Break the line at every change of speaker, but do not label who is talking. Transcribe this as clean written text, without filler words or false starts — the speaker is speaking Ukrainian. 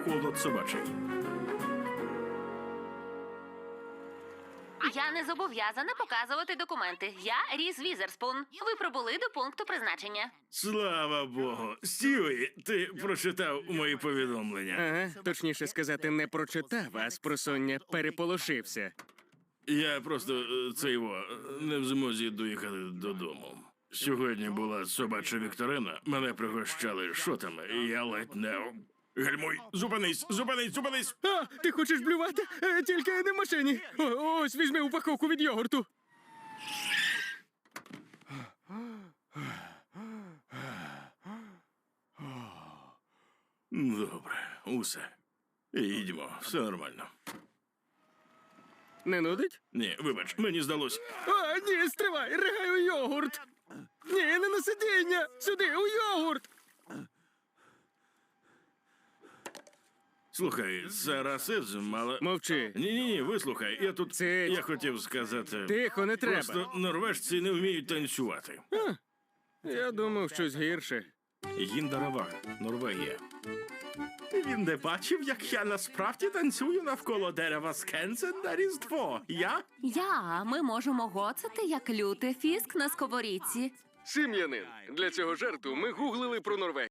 холод собачий.
Я не зобов'язана показувати документи. Я Різ Візерспун. Ви прибули до пункту призначення.
Слава Богу. Стюї, ти прочитав мої повідомлення.
Ага, точніше сказати, не прочитав, а спросоння переполошився.
Я просто не в змозі доїхати додому. Сьогодні була собача вікторина, мене пригощали шотами, і я ледь не... Гальмуй, зупинись, зупинись, зупинись!
А, ти хочеш блювати? Тільки не в машині. Ось, візьми упаковку від йогурту.
Добре, усе. Їдьмо, все нормально.
Не нудить?
Ні, вибач, мені здалось.
А, ні, стривай, ригай у йогурт. Ні, не на сидіння, сюди, у йогурт.
Слухай, це расизм, але...
Мовчи.
Ні, вислухай, я тут...
Це-
Я хотів сказати...
Тихо, не треба.
Просто норвежці не вміють танцювати.
Я думав, щось гірше.
Гіндараваг, Норвегія. Він не бачив, як я насправді танцюю навколо дерева Скенсен на Різдво.
Ми можемо гоцати, як лютий фіск на сковорідці.
Сім'янин. Для цього жарту ми гуглили про Норвегію.